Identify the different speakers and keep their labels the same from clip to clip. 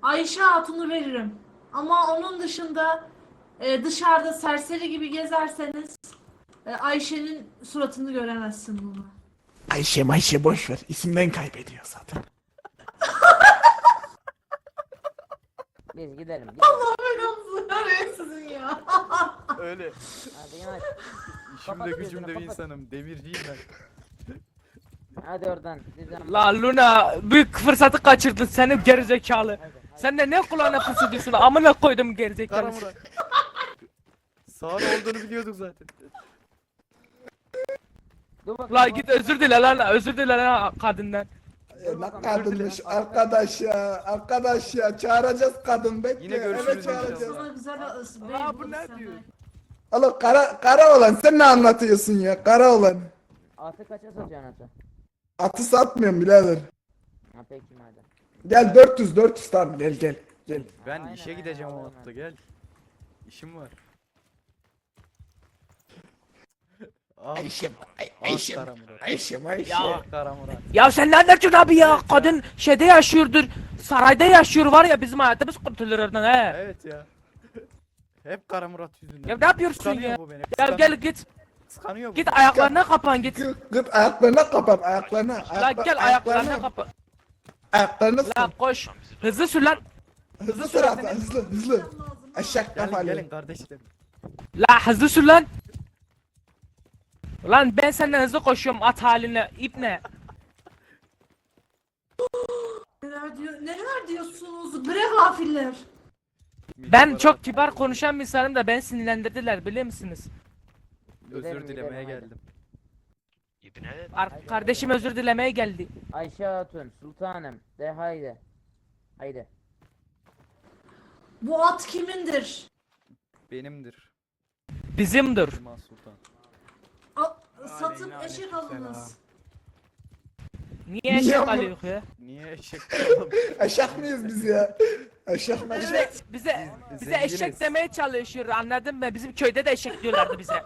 Speaker 1: Ayşe Hatun'u veririm. Ama onun dışında dışarıda serseri gibi gezerseniz Ayşe'nin suratını göremezsin bunu.
Speaker 2: Ayşe boş ver. İsimden kaybediyor zaten.
Speaker 3: Biz gidelim.
Speaker 1: Belanızı vereyim sizin ya.
Speaker 4: Öyle.
Speaker 3: Hadi yanaş.
Speaker 4: İşimde
Speaker 3: Kapat
Speaker 4: gücümde
Speaker 3: gözünü,
Speaker 4: bir
Speaker 3: kapat.
Speaker 4: insanım. Demirciyim ben.
Speaker 3: Hadi oradan. Sizden.
Speaker 5: La Luna büyük fırsatı kaçırdın seni gerizekalı.
Speaker 3: Hadi, hadi.
Speaker 5: Sen de ne kulağına fısıldıyorsun amına koydum gerizekalı.
Speaker 4: Kara Murat. Sağır olduğunu biliyorduk zaten.
Speaker 3: Dur bakayım,
Speaker 5: La
Speaker 3: dur
Speaker 5: git
Speaker 3: bakayım.
Speaker 5: özür dile lan özür dile lan kadından.
Speaker 2: Ne kadınmış arkadaş ya çağıracağız kadın bekle.
Speaker 4: Yine görüşürüz
Speaker 2: Evet çağıracağız.
Speaker 4: inşallah.
Speaker 1: Sana güzel bey
Speaker 5: Aa, bu
Speaker 1: bulup
Speaker 5: ne
Speaker 1: sana.
Speaker 5: diyor?
Speaker 2: Oğlum kara olan sen ne anlatıyorsun ya kara olan.
Speaker 3: Atı kaça satıyorsun atı?
Speaker 2: Atı satmıyorum birader.
Speaker 3: Ha peki madem.
Speaker 2: Gel 400 tamam gel.
Speaker 4: Ben
Speaker 3: Aynen,
Speaker 4: işe gideceğim
Speaker 3: aynen,
Speaker 4: o hafta gel. İşim var. Al. Kara Murat.
Speaker 2: Ayşe.
Speaker 4: Ah Kara Murat.
Speaker 5: Ya sen nereden çıktın abi ya? Kadın şeyde yaşıyordur. Sarayda yaşıyor var ya bizim hayatımız kurtulur oradan he.
Speaker 4: Evet ya. Hep Kara Murat yüzünden.
Speaker 5: Ya ne yapıyorsun
Speaker 4: Kıskanıyor
Speaker 5: ya?
Speaker 4: bu beni.
Speaker 5: Ya
Speaker 4: kıskanıyor.
Speaker 5: gel git.
Speaker 4: Kıskanıyor bu.
Speaker 5: Git ayaklarına kapan git.
Speaker 2: Git ayaklarına kapat ayaklarına.
Speaker 5: La gel ayaklarına kapan.
Speaker 2: Ayaklarına
Speaker 5: La koş. Hızlı sür lan.
Speaker 2: hızlı sür hatta hızlı. Eşek
Speaker 4: Gelin
Speaker 2: kafalı.
Speaker 4: gelin kardeşlerim.
Speaker 5: La hızlı sür lan. Lan ben senden hızlı koşuyorum at haline ipne.
Speaker 1: Neler diyorsunuz bre gafiller?
Speaker 5: Ben çok kibar konuşan bir insanım da ben sinirlendirdiler biliyor musunuz?
Speaker 4: Özür
Speaker 3: Gidelim,
Speaker 4: dilemeye
Speaker 3: gidelim,
Speaker 4: geldim.
Speaker 5: Kardeşim özür dilemeye geldi.
Speaker 3: Ayşe Hatun, sultanım. De haydi. Haydi.
Speaker 1: Bu at kimindir?
Speaker 4: Benimdir.
Speaker 5: Bizimdir.
Speaker 4: Cuma Sultan.
Speaker 1: Satıp eşek alınız.
Speaker 5: Niye
Speaker 2: Niye
Speaker 5: eşek
Speaker 2: ama?
Speaker 5: alıyor ya?
Speaker 4: Niye eşek oğlum?
Speaker 2: Eşek miyiz biz ya? Eşek mi?
Speaker 5: Bize
Speaker 4: Zenginiz.
Speaker 5: eşek demeye çalışıyor anladın mı? Bizim köyde de eşek diyorlardı bize.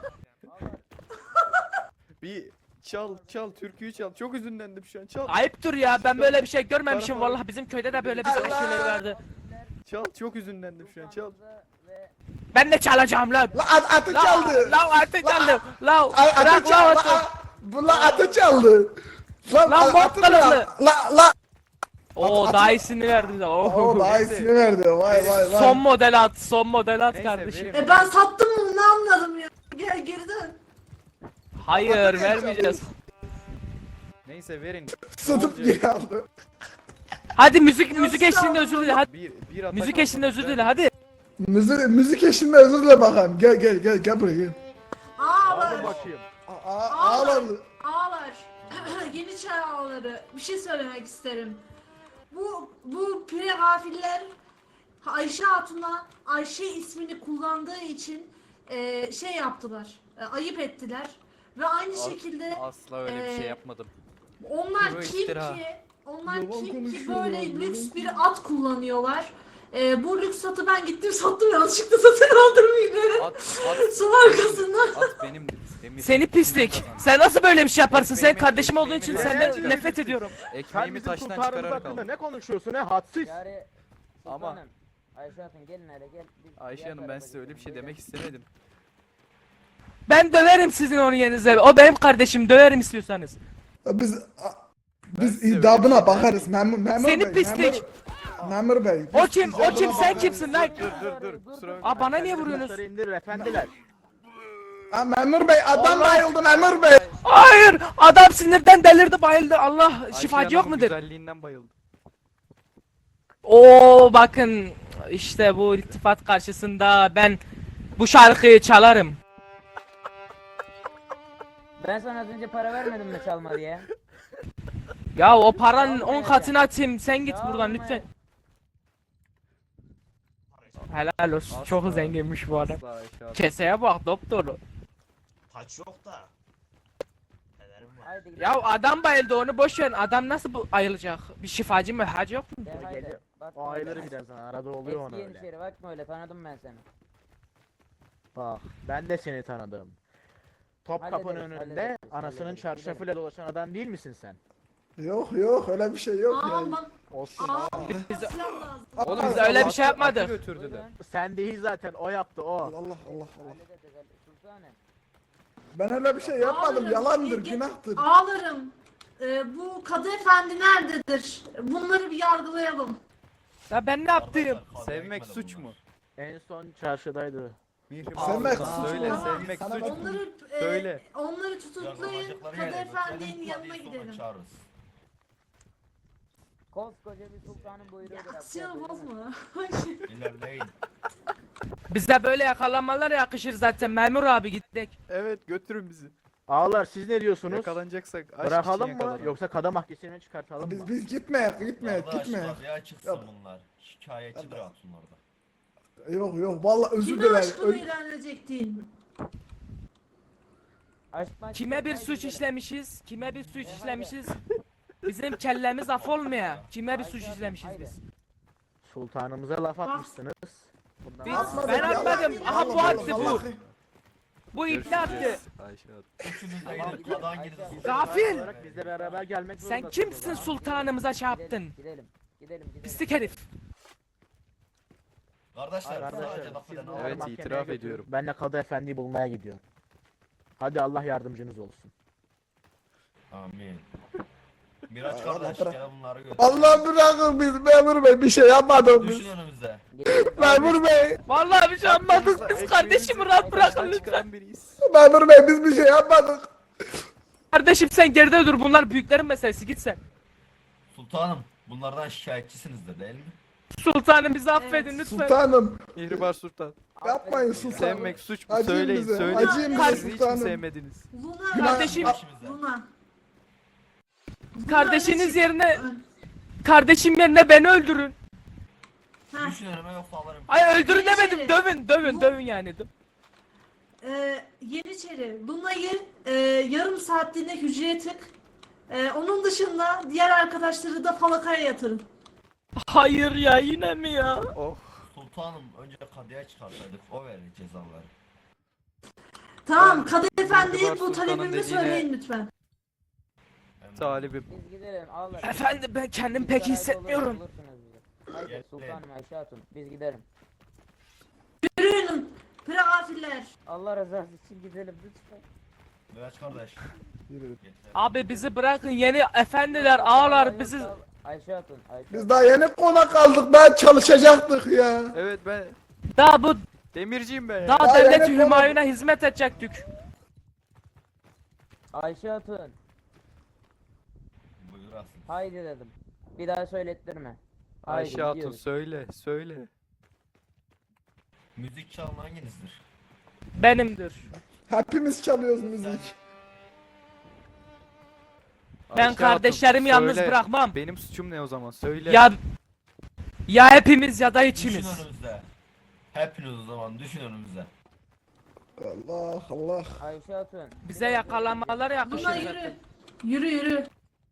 Speaker 4: Bir çal türküyü çal. Çok üzünlendim şu an. Çal.
Speaker 5: Ayıptır ya ben böyle bir şey görmemişim vallahi bizim köyde de böyle bir şeyler vardı.
Speaker 4: Çal çok üzünlendim şu an. Çal.
Speaker 5: Ben de çalacağım lan.
Speaker 2: La atı çaldı.
Speaker 5: La artık çaldım. La
Speaker 2: Atı
Speaker 5: bırak la
Speaker 2: çaldı.
Speaker 5: atı.
Speaker 2: Bu la atı çaldı.
Speaker 5: Lan bot
Speaker 2: atı
Speaker 5: kılıklı.
Speaker 2: çaldı. La.
Speaker 5: Oo daha iyisini verdi de.
Speaker 2: Oo daha iyisini verdi. Vay.
Speaker 5: Son model at, son model at
Speaker 4: Neyse,
Speaker 5: kardeşim.
Speaker 4: verin.
Speaker 1: Ben sattım bunu ne anladım ya. Gel geri dön.
Speaker 5: Hayır vermeyeceğiz.
Speaker 4: Neyse verin.
Speaker 2: Satıp
Speaker 4: Ne olacak?
Speaker 2: geri aldı.
Speaker 5: Hadi müzik eşliğinde özür dile hadi.
Speaker 4: Bir atak
Speaker 5: Müzik
Speaker 4: aldım.
Speaker 5: eşliğinde özür dile hadi.
Speaker 2: Müzik eşliğinde özür dile bakalım. Gel buraya gel.
Speaker 1: Ağlar.
Speaker 4: bakayım.
Speaker 2: Ağladı.
Speaker 1: Ağlar. Yeni çağ ağları. Bir şey söylemek isterim. Bu pire gafiller Ayşe Hatun'a Ayşe ismini kullandığı için şey yaptılar. Ayıp ettiler. Ve aynı şekilde
Speaker 4: Asla öyle bir şey yapmadım.
Speaker 1: onlar
Speaker 4: Bu
Speaker 1: kim
Speaker 4: iftira.
Speaker 1: ki? Onlar
Speaker 2: Yalan
Speaker 1: kim ki
Speaker 2: konuşuyorlar,
Speaker 1: böyle
Speaker 2: yalan.
Speaker 1: lüks bir at kullanıyorlar? Bu lüks atı ben gittim sattım yanlışlıkla satın aldım yine.
Speaker 4: At
Speaker 1: Su arkasından.
Speaker 4: At benimdir. Demir.
Speaker 5: Seni pislik. Sen nasıl böyle bir şey yaparsın? Sen
Speaker 4: Benim
Speaker 5: kardeşim olduğun için
Speaker 4: ekmeğimi
Speaker 5: senden
Speaker 4: nereden
Speaker 5: nefret ediyorum.
Speaker 6: Sen
Speaker 4: Ekmeğimi
Speaker 6: bizim
Speaker 4: taştan
Speaker 6: sultanımız
Speaker 4: çıkararak
Speaker 6: hakkında
Speaker 4: aldım.
Speaker 6: ne konuşuyorsun he hadsiz.
Speaker 3: Yani
Speaker 4: Ama-
Speaker 3: sultanım. Ayşe Hatun gelin hele gel. Biz
Speaker 4: Ayşe
Speaker 3: diğer
Speaker 4: Hanım ben
Speaker 3: tarafa
Speaker 4: size öyle bir şey
Speaker 3: gidelim,
Speaker 4: demek istemedim.
Speaker 5: Ben döverim sizin onun yerinize. O benim kardeşim döverim istiyorsanız.
Speaker 2: Biz
Speaker 4: Ben size öyle bir
Speaker 2: idabına
Speaker 4: şey
Speaker 2: bakarız memur
Speaker 5: Seni
Speaker 2: bey.
Speaker 5: pislik.
Speaker 2: Memur bey.
Speaker 5: O
Speaker 2: biz
Speaker 5: kim? O
Speaker 2: icabına
Speaker 5: kim? Sen
Speaker 2: bakarız.
Speaker 5: kimsin lan?
Speaker 4: Dur. Kusura bakma.
Speaker 5: Aa bana niye vuruyorsunuz?
Speaker 6: Kılıçları indirir efendiler.
Speaker 2: Ha, memur bey adam bayıldı memur bey.
Speaker 5: Hayır! Adam sinirden delirdi bayıldı. Allah
Speaker 4: Ayşe
Speaker 5: şifacı yok
Speaker 4: Hanım'ın
Speaker 5: mudur?
Speaker 4: güzelliğinden bayıldım.
Speaker 5: Oo bakın işte bu iltifat karşısında ben bu şarkıyı çalarım.
Speaker 3: Ben sana az önce para vermedim mi çalma diye?
Speaker 5: Ya o paranın 10 katını atayım. Sen git
Speaker 3: Çalma.
Speaker 5: buradan lütfen. Helal olsun.
Speaker 4: Asla.
Speaker 5: Çok zenginmiş bu adam.
Speaker 4: Asla Ayşe Hanım.
Speaker 5: Keseye bak doktor.
Speaker 7: Taç yok da. Nelerim var?
Speaker 3: Haydi gidelim.
Speaker 5: Ya adam bayıldı onu boş ver. Adam nasıl bu ayılacak? Bir şifacı mı? Hacı yok mu?
Speaker 3: De haydi.
Speaker 6: Geliyor.
Speaker 3: Bakma
Speaker 6: O ayları
Speaker 3: öyle.
Speaker 6: gider sana arada oluyor ona
Speaker 3: Eski
Speaker 6: öyle.
Speaker 3: Yeniçeri bakma öyle tanıdım ben seni.
Speaker 6: Bak ben de seni tanıdım. Topkapı'nın
Speaker 3: Hallederiz,
Speaker 6: önünde
Speaker 3: hallederiz,
Speaker 6: anasının
Speaker 3: hallederiz,
Speaker 6: çarşafıyla dolaşan adam değil misin sen?
Speaker 2: Yok yok öyle bir şey yok ya.
Speaker 1: Aman.
Speaker 6: Olsun.
Speaker 1: Silah lazım.
Speaker 5: Oğlum biz öyle bir şey yapmadık.
Speaker 4: Götürdüler.
Speaker 6: Sen değil zaten, o yaptı o.
Speaker 2: Allah Allah Allah.
Speaker 3: Sultanım.
Speaker 2: Ben öyle bir şey yapmadım.
Speaker 1: Ağlarım.
Speaker 2: Yalandır,
Speaker 1: Ge-
Speaker 2: günahtır.
Speaker 1: Ağlarım. Bu Kadı Efendi nerededir? Bunları bir yargılayalım.
Speaker 5: Ya ben ne yaptım?
Speaker 4: Sevmek suç mu?
Speaker 6: En son çarşıdaydı.
Speaker 4: Mihrimah
Speaker 2: Sevmek
Speaker 4: Sultan,
Speaker 2: suç
Speaker 4: söyle
Speaker 2: mu?
Speaker 4: sevmek
Speaker 2: Sana
Speaker 4: suç
Speaker 2: bak-
Speaker 4: mu?
Speaker 1: Onları
Speaker 4: Söyle.
Speaker 1: onları tutuklayın. Kadı Efendi'nin yanına gidelim.
Speaker 3: Koskoca bir sultanın buyruğudur.
Speaker 1: Aksiyon bozma.
Speaker 7: İlerleyin.
Speaker 5: Bize böyle yakalanmalar yakışır zaten memur abi gittik.
Speaker 4: Evet götürün bizi.
Speaker 6: Ağalar siz ne diyorsunuz?
Speaker 4: Yakalanacaksak aşk için
Speaker 6: Bırakalım mı
Speaker 4: yakalanalım.
Speaker 6: yoksa kadı mahkemesine çıkartalım mı?
Speaker 2: Biz gitmeyek, gitmeyek,
Speaker 7: Kardeş
Speaker 2: gitmeyek.
Speaker 7: kadıya çıksın
Speaker 2: Yok.
Speaker 7: bunlar. Şikayetçidir hatunlarda.
Speaker 2: Yok yok vallahi özür
Speaker 1: Kime
Speaker 2: dilerim.
Speaker 1: aşkını ilan edecektin?
Speaker 5: Kime bir suç işlemişiz? Kime bir suç işlemişiz? Bizim kellemiz af olmuyor. Kime bir suç işlemişiz biz?
Speaker 6: Sultanımıza laf atmışsınız. Bundan
Speaker 5: Biz-
Speaker 6: sonra-
Speaker 5: ben atmadım. Aha bu attı bu.
Speaker 2: Vallahi.
Speaker 5: Bu ipne attı.
Speaker 4: Ayşe Hatun.
Speaker 7: Üçünüz de gidip kadan gidin.
Speaker 5: Gafil!
Speaker 6: olarak bizle beraber gelmek
Speaker 5: Sen
Speaker 6: zorundasınız.
Speaker 5: kimsin sultanımıza çarptın?
Speaker 3: Gidelim.
Speaker 5: Pislik herif.
Speaker 7: Kardeşler
Speaker 6: Arkadaşlar,
Speaker 7: sadece laf
Speaker 6: siz
Speaker 7: eden
Speaker 6: bunları
Speaker 4: Evet,
Speaker 6: mahkemeye
Speaker 4: itiraf
Speaker 6: götürün.
Speaker 4: ediyorum.
Speaker 6: Ben de Kadı Efendi'yi bulmaya gidiyorum. Hadi Allah yardımcınız olsun.
Speaker 7: Amin. Miraç kardeş
Speaker 2: bırak.
Speaker 7: gel bunları götür.
Speaker 2: Allah bırakın biz memur bey bir şey yapmadık biz.
Speaker 7: Düşün önümüze.
Speaker 2: Memur bey,
Speaker 5: Vallahi bir şey yapmadık biz kardeşimi rahat bırakın lütfen.
Speaker 4: Çıkaran biriyiz.
Speaker 2: memur bey biz bir şey yapmadık.
Speaker 5: Kardeşim sen geride dur bunlar büyüklerin meselesi git sen.
Speaker 7: Sultanım bunlardan şikayetçisinizdir değil mi?
Speaker 5: Sultanım bizi affedin lütfen.
Speaker 2: Sultanım
Speaker 4: Mihrimah Sultan.
Speaker 2: yapmayın sultanım.
Speaker 4: Sevmek suç mu?
Speaker 2: Acıyın
Speaker 4: Söyleyin
Speaker 2: bize,
Speaker 4: söyleyin.
Speaker 2: acıyın
Speaker 5: bize
Speaker 4: Siz hiç mi
Speaker 2: sultanım.
Speaker 4: sevmediniz?
Speaker 1: Luna.
Speaker 5: Kardeşim.
Speaker 1: Luna.
Speaker 5: Kardeşiniz yerine kardeşim yerine beni öldürün.
Speaker 1: Ha.
Speaker 7: Düşün önüme yoksa alırım.
Speaker 5: Ay öldürün demedim dövün yani.
Speaker 1: Yeniçeri, Luna'yı yarım saatliğine hücreye tık. Onun dışında diğer arkadaşları da falakaya yatırın.
Speaker 5: Hayır ya yine mi ya?
Speaker 4: Oh.
Speaker 7: Sultanım önce kadıya çıkarsaydık o verir cezaları.
Speaker 1: Tamam, Kadı
Speaker 4: Mihrimah
Speaker 1: Efendi'ye bu
Speaker 4: Sultan'ın
Speaker 1: talebimi
Speaker 4: dediğine-
Speaker 1: söyleyin lütfen.
Speaker 4: Talibim.
Speaker 3: Biz gidelim ağlar.
Speaker 5: Efendim ben kendim pek iyi hissetmiyorum.
Speaker 3: Haydi
Speaker 7: Gel.
Speaker 3: sultanım Ayşe Hatun biz gidelim.
Speaker 1: Yürüyün, pregafiller.
Speaker 3: Allah rızası için gidelim lütfen.
Speaker 7: Miraç kardeş. Getir.
Speaker 5: Abi bizi bırakın yeni efendiler ağlar bizi.
Speaker 3: Ayşe Hatun.
Speaker 2: Biz daha yeni konak aldık daha çalışacaktık ya.
Speaker 4: Evet ben
Speaker 5: Daha bu
Speaker 4: demirciyim ben ya.
Speaker 5: daha
Speaker 2: Ya
Speaker 5: devlet
Speaker 2: yani-
Speaker 5: hümayuna hizmet edecektik.
Speaker 3: Ayşe Hatun.
Speaker 7: Buyur asıl.
Speaker 3: Haydi dedim. Bir daha söylettirme. Haydi
Speaker 4: Ayşe Hatun
Speaker 3: gidiyoruz.
Speaker 4: söyle.
Speaker 7: Müzik çalan hanginizdir?
Speaker 5: Benimdir.
Speaker 2: Hepimiz çalıyoruz müzik.
Speaker 5: Ben
Speaker 4: Ayşe
Speaker 5: kardeşlerimi
Speaker 4: Hatun,
Speaker 5: yalnız
Speaker 4: söyle.
Speaker 5: bırakmam.
Speaker 4: Benim suçum ne o zaman? Söyle.
Speaker 5: Ya hepimiz ya da
Speaker 7: Düşün
Speaker 5: içimiz.
Speaker 7: önümüze. Hepiniz o zaman düşün önümüze.
Speaker 2: Allah Allah.
Speaker 3: Ayşe Hatun.
Speaker 5: Bize yakalanmalar yakışır.
Speaker 1: Luna
Speaker 5: zaten.
Speaker 1: yürü.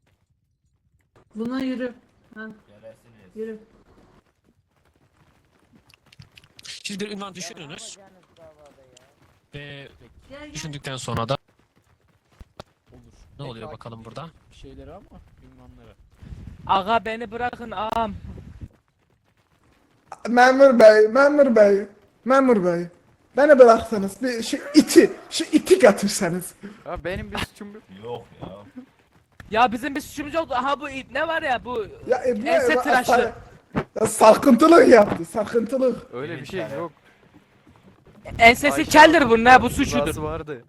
Speaker 1: Luna yürü. Ha,
Speaker 7: Gelirsiniz.
Speaker 1: yürü.
Speaker 8: Siz bir ünvan düşününüz ve
Speaker 1: Gel.
Speaker 8: düşündükten sonra da ne oluyor bakalım burada?
Speaker 9: şeyleri ama ünvanları.
Speaker 5: Aga beni bırakın ağam.
Speaker 2: Memur bey. Beni bıraksanız bir şu iti götürseniz.
Speaker 4: Ya benim bir suçum yok.
Speaker 7: Yok ya.
Speaker 5: Ya bizim bir suçumuz yoktu. Aha bu ne var ya bu
Speaker 2: Ya
Speaker 5: ense tıraşlı.
Speaker 2: sarkıntılık yaptı, sarkıntılık.
Speaker 4: Öyle bir şey yok.
Speaker 5: Ensesi
Speaker 4: Ayşe
Speaker 5: keldir
Speaker 4: Hatun,
Speaker 5: bu ne bu suçudur.
Speaker 4: rızası vardı.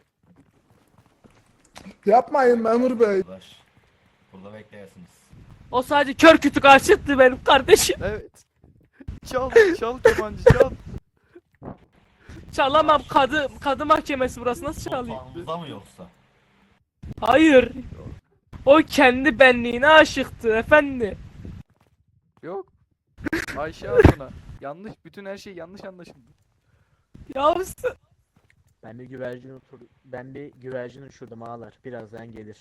Speaker 2: Yapmayın memur bey.
Speaker 7: Arkadaş. Burada bekleyesiniz.
Speaker 5: O sadece kör kütük aşıktı benim kardeşim.
Speaker 4: Evet. Çal kemancı çal.
Speaker 5: Çalamam kadı mahkemesi burası nasıl çalayım?
Speaker 7: Sultanımıza mı yoksa?
Speaker 5: Hayır. O kendi benliğine aşıktı efendi.
Speaker 4: Yok. Ayşe Hatun'a. Yanlış, bütün her şey yanlış anlaşıldı.
Speaker 5: Yavrusu.
Speaker 6: Ben bir güvercin uçurdum ağalar. Birazdan gelir.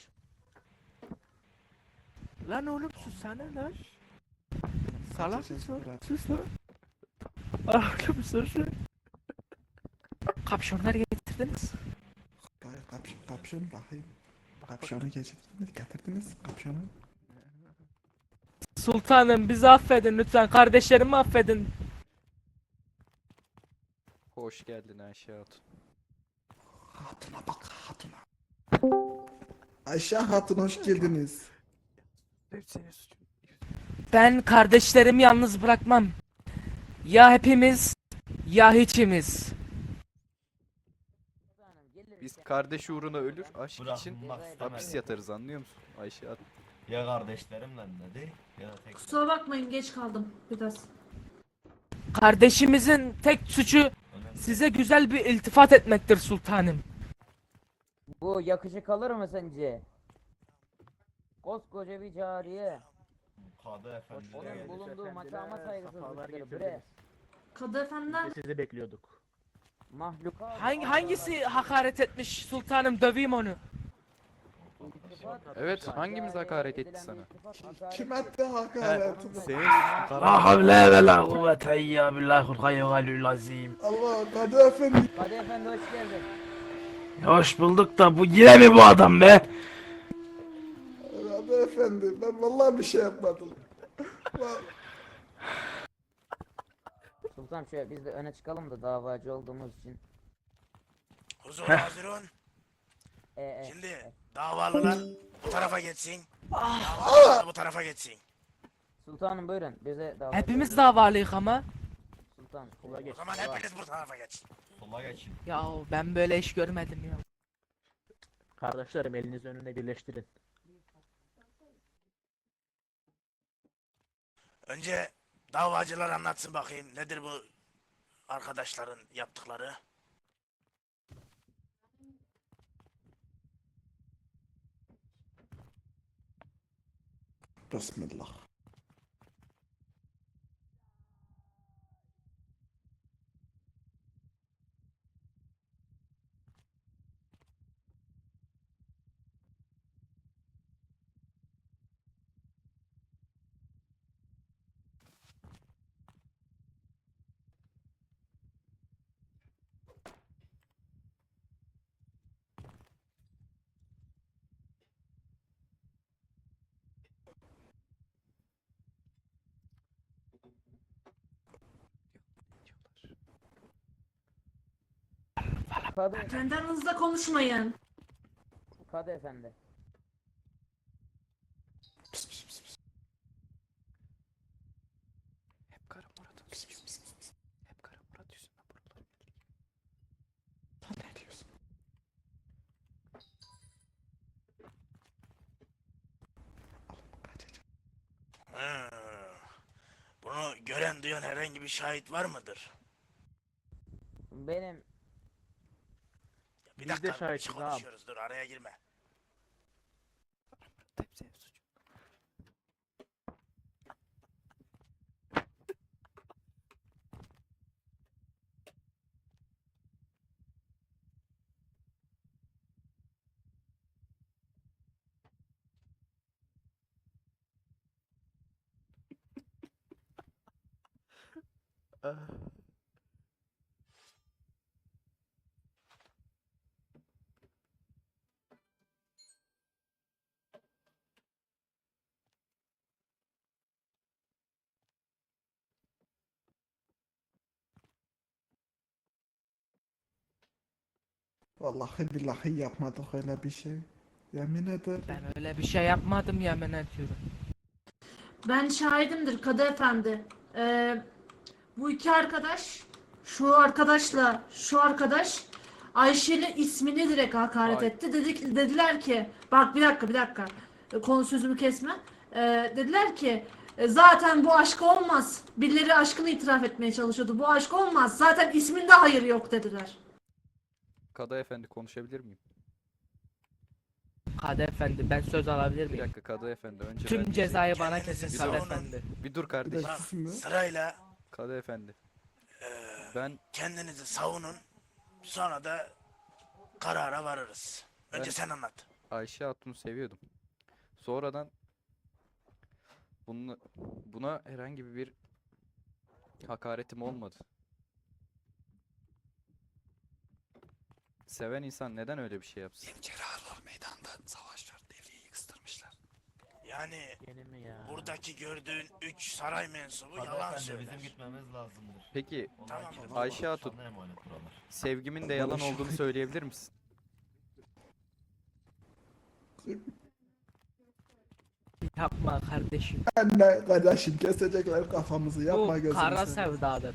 Speaker 5: Lan oğlum sussana lan. Salak mısın? Sus lan. Oğlum sus. Kapşonlar getirdiniz.
Speaker 2: Kapşın bakayım. Kapşonu getirdiniz. Getirdiniz kapşonu.
Speaker 5: Sultanım bizi affedin lütfen. Kardeşlerimi affedin.
Speaker 4: Hoş geldin Ayşe Hatun.
Speaker 2: Hatuna bak hatuna. Ayşe Hatun hoş geldiniz.
Speaker 4: Hep senin suçun.
Speaker 5: Ben kardeşlerimi yalnız bırakmam. Ya hepimiz ya hiçimiz.
Speaker 3: Sultanım geliriz.
Speaker 4: Biz kardeş uğruna ölür, aşk için
Speaker 7: Bırakmak
Speaker 4: hapis
Speaker 7: istemedim.
Speaker 4: yatarız, anlıyor musun Ayşe Hatun?
Speaker 7: Ya kardeşlerimle dedi ya da tek.
Speaker 1: Kusura bakmayın geç kaldım biraz.
Speaker 5: Kardeşimizin tek suçu
Speaker 7: Önemli.
Speaker 5: size güzel bir iltifat etmektir sultanım.
Speaker 3: Bu yakışık alır mı sence? Koskoca bir cariye.
Speaker 7: Kadı efendi de
Speaker 3: Onun
Speaker 7: geldi.
Speaker 3: bulunduğu makama
Speaker 6: Sefalar
Speaker 3: saygısızlıktır bre.
Speaker 6: getirdiniz.
Speaker 1: Kadı efendiden
Speaker 6: Biz de sizi bekliyorduk.
Speaker 3: Mahlukat.
Speaker 5: Hangisi hakaret etmiş sultanım, döveyim onu.
Speaker 3: İltifat-
Speaker 4: Evet, hangimiz hakaret etti
Speaker 3: Edilen
Speaker 4: sana?
Speaker 3: iltifat hakaret
Speaker 2: Kim attı hakaretini?
Speaker 4: Senin
Speaker 9: La havle ve la kuvvete illa billahil hayyul azim.
Speaker 2: Allah Kadı Efendi.
Speaker 3: Hadi efendi hoş geldin.
Speaker 9: Hoş bulduk da bu yine mi bu adam be?
Speaker 2: Kadı Efendi ben vallahi bir şey yapmadım.
Speaker 3: Sultan şöyle biz de öne çıkalım da davacı olduğumuz için.
Speaker 10: Huzur hazırın.
Speaker 3: E,
Speaker 10: Şimdi davalılar bu tarafa geçsin. Davalılar bu tarafa geçsin.
Speaker 3: Sultanım buyurun bize davacı.
Speaker 5: Hepimiz davalıyık ama.
Speaker 3: Sultan.
Speaker 6: Kola geç.
Speaker 10: O zaman hepiniz bu tarafa geçin.
Speaker 7: Sola geçin.
Speaker 5: Ya ben böyle iş görmedim ya.
Speaker 6: Kardeşlerim elinizi önüne birleştirin.
Speaker 10: Önce davacılar anlatsın bakayım nedir bu arkadaşların yaptıkları.
Speaker 2: Bismillah.
Speaker 3: Kadı,
Speaker 1: Kendi aranızda konuşmayın.
Speaker 3: Kadı efendi.
Speaker 2: Pis pis pis pis.
Speaker 4: hep Kara Murat'ın suçu. Hep Kara Murat yüzünden buralar.
Speaker 2: Lan ne diyorsun? Kaçacağım.
Speaker 10: Hı. Bunu gören duyan herhangi bir şahit var mıdır?
Speaker 3: Benim
Speaker 10: Bir
Speaker 6: Biz de
Speaker 10: dakika bir şey
Speaker 6: şahitiz ağam.
Speaker 10: konuşuyoruz dur araya girme.
Speaker 4: Hep senin suçun.
Speaker 2: Vallahi billahi yapmadık öyle bir şey. Yemin ederim.
Speaker 5: Ben öyle bir şey yapmadım yemin ediyorum.
Speaker 1: Ben şahidimdir Kadı efendi. Bu iki arkadaş, şu arkadaşla şu arkadaş Ayşe'nin ismini direkt hakaret
Speaker 4: Ay.
Speaker 1: etti. Dediler ki, bak bir dakika, konu sözümü kesme. Dediler ki, zaten bu aşk olmaz. Birileri aşkını itiraf etmeye çalışıyordu. Bu aşk olmaz. Zaten isminde hayır yok dediler.
Speaker 4: Kadı efendi konuşabilir miyim?
Speaker 5: Kadı efendi ben söz alabilir
Speaker 4: Bir
Speaker 5: miyim?
Speaker 4: dakika Kadı efendi önce ben
Speaker 5: Tüm
Speaker 4: bir
Speaker 5: cezayı bana
Speaker 10: Kendinizi
Speaker 5: kesin
Speaker 10: savunun.
Speaker 5: Kadı efendi.
Speaker 4: Bir dur
Speaker 2: Bir
Speaker 4: kardeşim.
Speaker 2: dakika şimdi.
Speaker 10: Sırayla
Speaker 4: Kadı efendi.
Speaker 10: eee,
Speaker 4: Ben
Speaker 10: kendinizi savunun. Sonra da karara varırız. Önce
Speaker 4: Ben-
Speaker 10: sen anlat.
Speaker 4: Ayşe Hatun'u seviyordum. Sonradan buna herhangi bir hakaretim olmadı. Seven insan neden öyle bir şey yapsın?
Speaker 10: Yeniçeriler meydanda savaşlar, devriyeyi kıstırmışlar. Yani
Speaker 6: Yeni mi ya?
Speaker 10: buradaki gördüğün 3 saray mensubu
Speaker 7: Kadı
Speaker 10: yalan
Speaker 7: efendi
Speaker 10: söyler.
Speaker 7: bizim gitmemiz lazımdır.
Speaker 4: Peki
Speaker 7: Onlar
Speaker 10: Tamam,
Speaker 7: gidip
Speaker 4: Ayşe Hatun.
Speaker 7: sana emanet buralar.
Speaker 4: sevgimin de yalan olduğunu söyleyebilir misin?
Speaker 5: Yapma kardeşim.
Speaker 2: Anne kardeşim kesecekler kafamızı yapma
Speaker 5: Bu
Speaker 2: gözünü
Speaker 5: kara
Speaker 2: seveyim.
Speaker 5: sevdadır.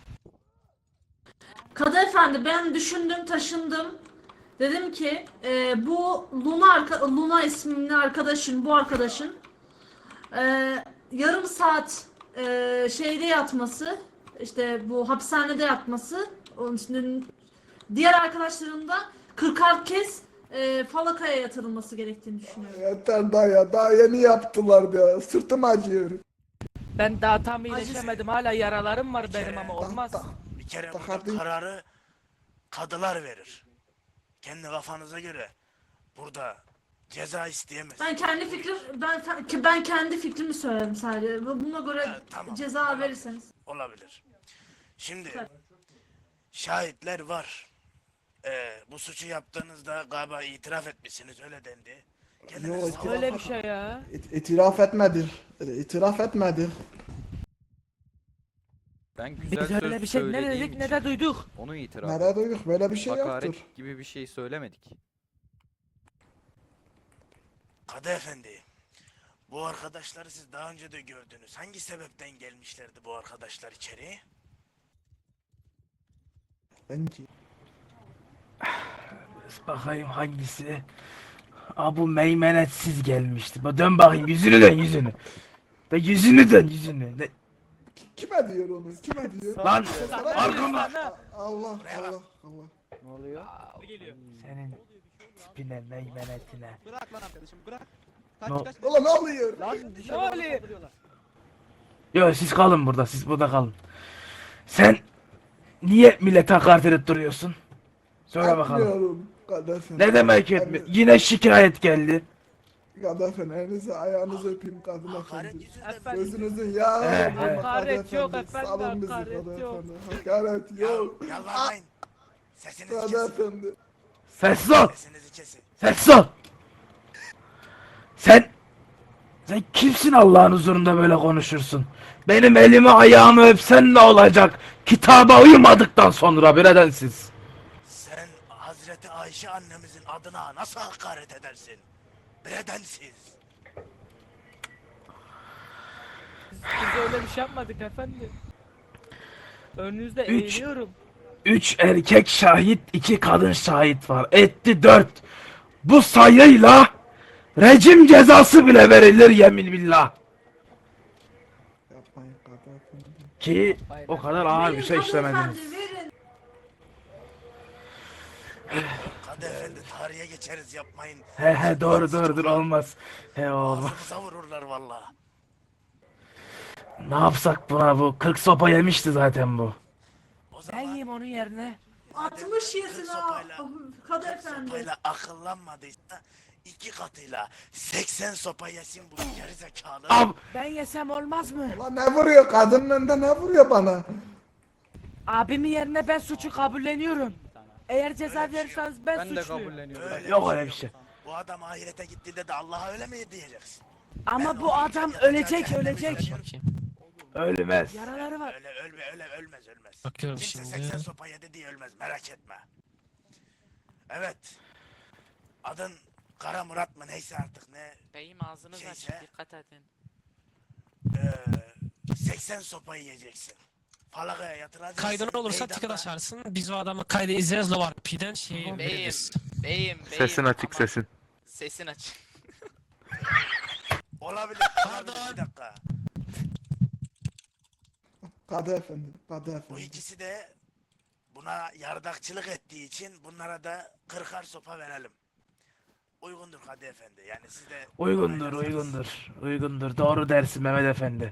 Speaker 1: Kadı efendi ben düşündüm taşındım. Dedim ki bu Luna isimli arkadaşın, bu arkadaşın e, yarım saat şeyde yatması, işte bu hapishanede yatması, onun için diğer arkadaşların da 40'ar kez falakaya yatırılması gerektiğini düşünüyorum.
Speaker 2: Yeter daha yeni yaptılar ya. Sırtım acıyor.
Speaker 5: Ben daha tam iyileşemedim. Hala yaralarım var benim ama olmaz.
Speaker 10: Bir kere
Speaker 2: Daha
Speaker 10: burada
Speaker 2: değil.
Speaker 10: kararı kadılar verir. Kendi kafanıza göre burada ceza isteyemez.
Speaker 1: Ben kendi fikrimi söyledim sadece. Buna göre
Speaker 10: Evet, tamam.
Speaker 1: ceza verirseniz.
Speaker 10: Olabilir. Şimdi
Speaker 1: Tabii.
Speaker 10: şahitler var. Bu suçu yaptığınızda galiba itiraf etmişsiniz, öyle dendi. Kendinizi
Speaker 2: Yok,
Speaker 10: savun.
Speaker 5: Öyle bir şey ya.
Speaker 2: İtiraf etmedi. İtiraf etmedi.
Speaker 4: Ben güzel
Speaker 5: Biz öyle
Speaker 4: söz
Speaker 5: bir şey ne
Speaker 4: söylediğim
Speaker 5: dedik ne
Speaker 4: için
Speaker 5: de duyduk.
Speaker 4: onu itiraf
Speaker 2: Nerede
Speaker 4: ettim.
Speaker 2: duyduk? Böyle bir şey yoktur.
Speaker 4: Hakaret gibi bir şey söylemedik.
Speaker 10: Kadı efendi, bu arkadaşları siz daha önce de gördünüz. Hangi sebepten gelmişlerdi bu arkadaşlar içeri?
Speaker 2: Bence.
Speaker 9: Bakayım hangisi? Bu meymenetsiz gelmişti. Dön bakayım yüzünü dön yüzünü. Ve yüzünü dön yüzünü.
Speaker 2: Kime diyor onu? Kime diyor?
Speaker 9: Lan
Speaker 2: Sana-
Speaker 9: arkama.
Speaker 2: Allah Allah Allah.
Speaker 3: Ne oluyor?
Speaker 9: Senin tipine meymenetine.
Speaker 6: Bırak lan arkadaşım bırak.
Speaker 9: No.
Speaker 6: Kaç.
Speaker 2: Ulan ne oluyor?
Speaker 6: Lan
Speaker 5: Ne
Speaker 6: dışarı
Speaker 5: oluyor?
Speaker 6: saldırıyorlar.
Speaker 9: Yo siz kalın burada siz burada kalın. Sen niye millete hakaret edip duruyorsun? Söyle bakalım.
Speaker 2: Etmiyorum. Kadefin.
Speaker 9: Ne demek etmiyor? Yine şikayet geldi.
Speaker 2: Kadefin elinizi ayağınızı öpeyim kadın
Speaker 10: Hakaret
Speaker 2: efendi.
Speaker 10: yüzünden
Speaker 5: Efendim.
Speaker 2: Gözünüzün yağı
Speaker 9: He,
Speaker 2: olsun
Speaker 9: he.
Speaker 5: Hakaret
Speaker 2: Kadı
Speaker 5: yok
Speaker 2: efendi.
Speaker 5: efendim,
Speaker 2: Salın bizi
Speaker 5: hakaret
Speaker 2: Kadı
Speaker 5: yok.
Speaker 2: efendi. Hakaret yok.
Speaker 10: Yalvarmayın. Sesinizi
Speaker 2: Kadı
Speaker 10: kesin.
Speaker 2: efendi.
Speaker 9: Sessiz ol.
Speaker 10: Sesinizi kesin.
Speaker 9: Sessiz ol. Sen kimsin Allah'ın huzurunda böyle konuşursun? Benim elimi ayağımı öpsen ne olacak? Kitaba uymadıktan sonra biredensiz.
Speaker 10: Sen Hazreti Ayşe annemizin adına nasıl hakaret edersin? Bedensiz.
Speaker 5: Biz öyle bir şey yapmadık efendim. Önünüzde
Speaker 9: Üç.
Speaker 5: eğiliyorum.
Speaker 9: 3 erkek şahit, 2 kadın şahit var. Etti 4. Bu sayıyla rejim cezası bile verilir yemin billah.
Speaker 2: Yapmayın Kadı efendi.
Speaker 9: Ki o kadar ağır bir şey
Speaker 1: Kadı
Speaker 9: işlemediniz.
Speaker 1: efendi, verin.
Speaker 10: Kadı efendi tarihe geçeriz, yapmayın.
Speaker 9: He doğru olmaz. He olmaz.
Speaker 10: Ağzımıza vururlar valla.
Speaker 9: Ne yapsak buna bu? 40 sopa yemişti zaten bu.
Speaker 10: O
Speaker 5: Ben
Speaker 10: zaman
Speaker 5: yiyeyim onun yerine.
Speaker 1: 60 yesin ha.
Speaker 10: sopayla-
Speaker 1: Kadı efendi.
Speaker 10: sopayla akıllanmadıysa 2 katıyla 80 sopa yesin bu gerizekalı.
Speaker 9: Ab
Speaker 5: Ben yesem olmaz mı?
Speaker 2: Ulan ne vuruyor? Kadının önünde ne vuruyor bana?
Speaker 5: Abimin yerine ben suçu kabulleniyorum. Eğer ceza
Speaker 10: Öyle bir şey yok.
Speaker 5: verirseniz ben,
Speaker 4: Ben de
Speaker 5: suçluyum.
Speaker 4: kabulleniyorum.
Speaker 10: Öyle
Speaker 9: yok öyle bir şey.
Speaker 10: Bu adam ahirete gittiğinde de Allah'a öyle mi diyeceksin?
Speaker 5: Ama
Speaker 10: Ben
Speaker 5: bu
Speaker 10: onu
Speaker 5: adam
Speaker 10: yatacak
Speaker 5: ölecek
Speaker 10: cehenneme
Speaker 5: ölecek.
Speaker 10: gönderiyorum.
Speaker 9: Ölmez.
Speaker 5: Yaraları var.
Speaker 10: Ölmez.
Speaker 8: Bakıyorum
Speaker 10: Kimse
Speaker 8: şimdi.
Speaker 10: 80 sopa yedi diye ölmez, merak etme. Evet. Adın Kara Murat mı neyse artık ne.
Speaker 11: Beyim ağzınız
Speaker 10: Şeyse-
Speaker 11: açık dikkat edin.
Speaker 10: 80 sopa yiyeceksin. Falakaya yatıracaksın.
Speaker 8: Kaydın olursa
Speaker 10: meydanda-
Speaker 8: ticket açarsın. Biz o adamı kaydı izleriz Lovarpi'den şeyi
Speaker 11: Beyim,
Speaker 8: veririz.
Speaker 11: beyim.
Speaker 9: Sesin açık
Speaker 11: aman,
Speaker 9: sesin.
Speaker 11: Sesin açık.
Speaker 10: Olabilir.
Speaker 8: Pardon.
Speaker 10: Bir dakika.
Speaker 2: Kadı efendi. Kadı
Speaker 10: Bu
Speaker 2: efendi.
Speaker 10: ikisi de buna yardakçılık ettiği için bunlara da 40'ar sopa verelim. Uygundur Kadı Efendi. Yani siz de
Speaker 9: Uygundur. Doğru dersin Mehmet Efendi.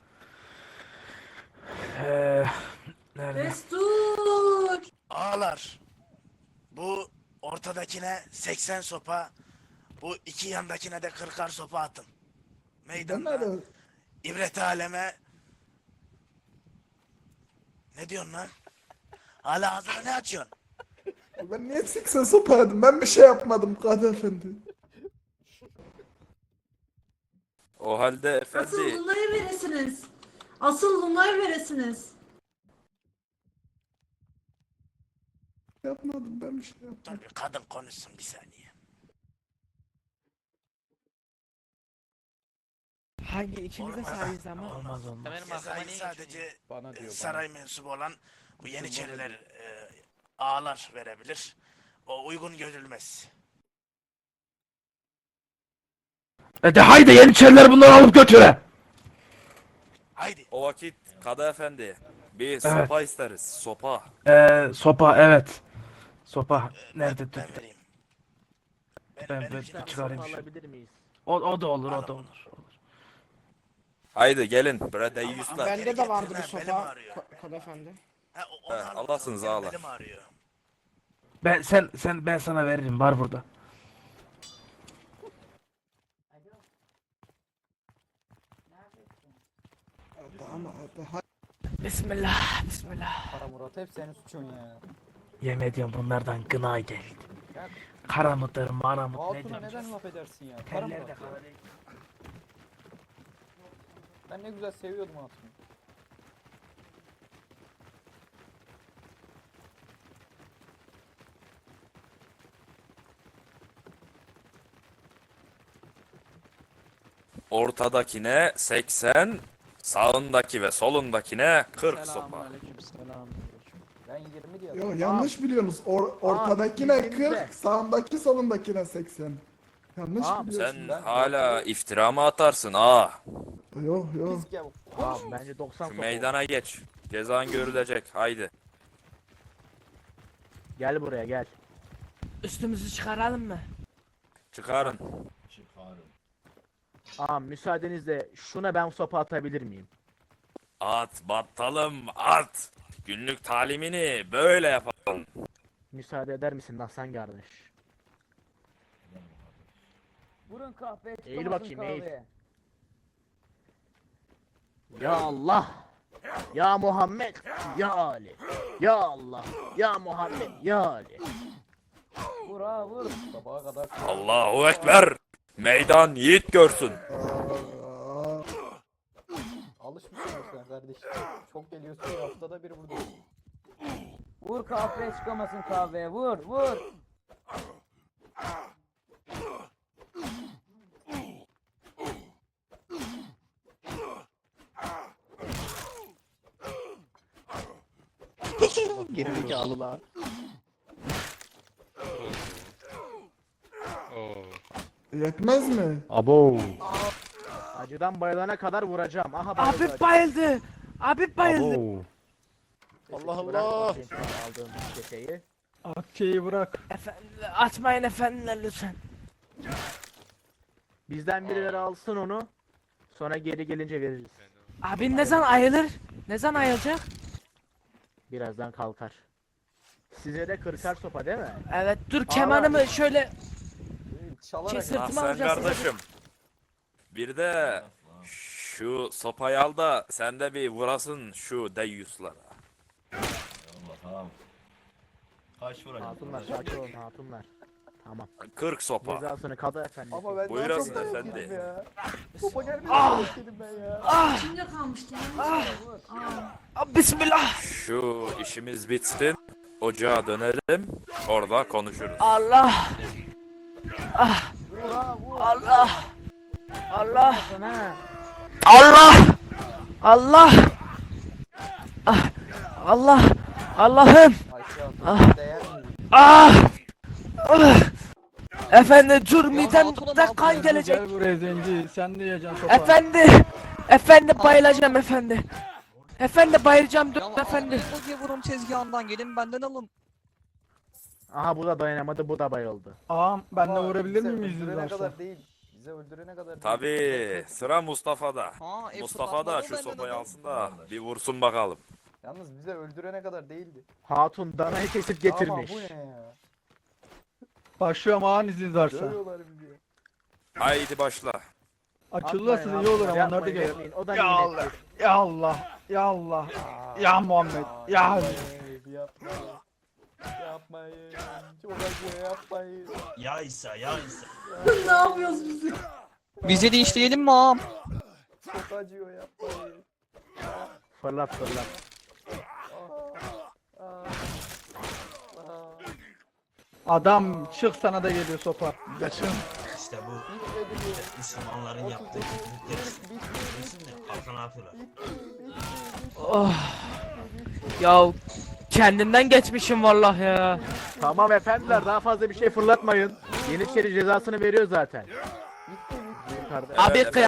Speaker 9: Nerede?
Speaker 1: Destur.
Speaker 10: Ağlar. Bu ortadakine 80 sopa, bu iki yandakine de 40'ar sopa atın.
Speaker 2: Ben
Speaker 10: Meydanda
Speaker 2: nerede?
Speaker 10: ibret aleme. Ne diyorsun lan? Hala ağzını ne açıyorsun?
Speaker 2: Ben niye 80 sopa yedim? Ben bir şey yapmadım Kadı Efendi.
Speaker 12: O halde
Speaker 1: Asıl
Speaker 12: efendi
Speaker 1: Luna'yı veresiniz. Asıl Luna'yı veresiniz.
Speaker 2: Yapmadım ben bir şey yapmadım.
Speaker 10: Dur bir kadın konuşsun bir saniye.
Speaker 5: Hangi ikimiz de sahibiz ama.
Speaker 6: Olmaz olmaz.
Speaker 11: Benim aklıma
Speaker 10: Cezayı
Speaker 11: ne
Speaker 10: sadece
Speaker 6: Bana diyor
Speaker 10: saray mensubu olan bu Yeniçeriler ağalar verebilir. O uygun görülmez.
Speaker 9: De haydi Yeniçeriler bunları alıp götüre.
Speaker 10: Haydi.
Speaker 12: o vakit Kadı Efendi bir sopa isteriz. Sopa.
Speaker 9: Sopa evet. Sopa nerede?
Speaker 10: Ben vereyim.
Speaker 9: Ben
Speaker 10: benimkini
Speaker 9: çıkarayım
Speaker 10: alsana.
Speaker 9: şu.
Speaker 6: Alabilir miyiz?
Speaker 9: O da olur o da olur.
Speaker 12: Haydi gelin bre deyyuslar.
Speaker 10: Bende de vardı bir sopa.
Speaker 8: Kadı efendi.
Speaker 10: Ha,
Speaker 12: He, Allah'sınız ağalar.
Speaker 10: Belim ağrıyor.
Speaker 9: Ben sana veririm var burada.
Speaker 2: Ama daha
Speaker 5: Bismillah, bismillah.
Speaker 6: Kara Murat hep senin suçun ya.
Speaker 9: Yemin ediyorum bunlardan gına geldi. Kara mıdır, mara mıdır, ne
Speaker 6: Hatun'a
Speaker 9: diyorsun?
Speaker 6: neden laf edersin ya? Kara
Speaker 9: Teller de
Speaker 6: Murat.
Speaker 9: kara değil.
Speaker 6: Ben ne güzel seviyordum Hatun'u.
Speaker 12: Ortadakine 80, sağındaki ve solundakine 40 sopa.
Speaker 6: Selamünaleyküm. Selamünaleyküm. Ben 20 diyorum.
Speaker 2: Yo, yanlış biliyorsunuz. Ortadakine 40, sağındaki solundakine 80. Yanlış biliyorsun.
Speaker 12: Sen hala iftira mı atarsın ağa?
Speaker 2: Yok yok.
Speaker 6: Pis gavur. Abi bence 90
Speaker 12: Şu
Speaker 6: sopa.
Speaker 12: meydana geç. Cezan görülecek. Haydi.
Speaker 6: Gel buraya gel.
Speaker 5: Üstümüzü çıkaralım mı?
Speaker 12: Çıkarın.
Speaker 6: Müsaadenizle şuna ben sopa atabilir miyim?
Speaker 12: At battalım at. Günlük talimini böyle yapalım.
Speaker 6: Müsaade eder misin Hasan kardeş?
Speaker 3: Vurun kahveye
Speaker 6: Eğil
Speaker 3: çıkamasın
Speaker 6: bakayım, eğil.
Speaker 3: kahveye.
Speaker 6: Ya Allah! Ya Muhammed! Ya Ali! Ya Allah! Ya Muhammed! Ya Ali!
Speaker 3: Vur ha vur.
Speaker 6: Sabaha kadar
Speaker 12: Allahu Ekber. Meydan yiğit görsün.
Speaker 2: Aa,
Speaker 6: alışmışsın sen kardeş. Çok geliyorsun ya, haftada bir buradasın.
Speaker 3: Vur kahveye çıkamasın kahveye vur vur.
Speaker 6: Gerizekalılar.
Speaker 2: yetmez mi?
Speaker 6: Abo. Acıdan bayılana kadar vuracağım. Aha bayıldı.
Speaker 5: Abi bayıldı. Abi bayıldı.
Speaker 6: Allah Allah. Aldığım şişeyi.
Speaker 9: Akçeyi bırak.
Speaker 5: Efendi, atmayın efendiler lütfen.
Speaker 6: Bizden birileri alsın onu. Sonra geri gelince veririz.
Speaker 5: Abi ne zaman ayılır? Ne zaman ayılacak?
Speaker 6: Birazdan kalkar. Size de kırkar sopa değil mi?
Speaker 5: Evet dur kemanımı şöyle
Speaker 6: Çalarak.
Speaker 5: Sırtıma
Speaker 12: Ahsen
Speaker 5: vuracağız
Speaker 12: kardeşim. Bir de şu sopayı al da sen de bir vurasın şu deyyuslara.
Speaker 7: Tamam. Kaç vuracağım?
Speaker 6: Hatunlar sakin olun hatunlar. Tamam.
Speaker 12: 40 sopa.
Speaker 6: Cezasını kadı efendi.
Speaker 9: Ama ben
Speaker 12: Buyurasın efendi.
Speaker 9: Sopa gelmedi. Ben ya.
Speaker 1: İçimde kalmıştı ya.
Speaker 5: Bismillah.
Speaker 12: Şu işimiz bitsin. Ocağa dönelim. Orada konuşuruz.
Speaker 5: Allah. Ah. Allah. Allah. Allah. Allah. Ah. Allah. Allah'ım. Ah. Ah. Ah. Efendi dur midemden kan gelecek.
Speaker 9: Gel buraya zenci. Sen de yiyeceksin sopa.
Speaker 5: Efendi. Efendi bayılacağım efendi. Efendi bayılacağım dur efendi.
Speaker 8: Vurun tezgahından gelin benden alın.
Speaker 6: Aha bu da dayanamadı, bu da bayıldı.
Speaker 9: Ağam ben de vurabilir miyim izniniz
Speaker 6: Öldürene
Speaker 9: varsa?
Speaker 6: kadar değil. Bize öldürene kadar değil.
Speaker 12: Tabii sıra Mustafa'da.
Speaker 8: Ha,
Speaker 12: Mustafa da şu sopayı alsın da bir vursun bakalım.
Speaker 6: Yalnız bize öldürene kadar değildi. Hatun danayı kesip getirmiş.
Speaker 9: Ama bu ne ya? Başlıyorum ağam izniniz varsa.
Speaker 6: Dövüyorlar bizi.
Speaker 12: Haydi başla.
Speaker 9: Açılırsa iyi olur ama onlar da gelir.
Speaker 6: Yapmayın, o da
Speaker 9: Ya Allah.
Speaker 6: nimettir.
Speaker 9: Ya Allah. Ya Allah. Ya Muhammed. Ya Ali.
Speaker 6: Yapma.
Speaker 4: Yapmayın. Çok acıyor yapmayın.
Speaker 7: Ya İsa ya İsa.
Speaker 1: Ne yapıyoruz biz?
Speaker 8: Bize de işleyelim mi ağam?
Speaker 4: Çok acıyor yapmayın.
Speaker 6: Fırlat fırlat.
Speaker 2: Adam çık sana da geliyor sopa. Kaçın.
Speaker 7: İşte bu Müslümanların yaptığı kötülükler. Biliyorsun ya halka ne yapıyorlar?
Speaker 5: Oh. Ya kendimden geçmişim vallahi ya.
Speaker 6: Tamam efendiler daha fazla bir şey fırlatmayın. Yeniçeri cezasını veriyor zaten.
Speaker 5: Abi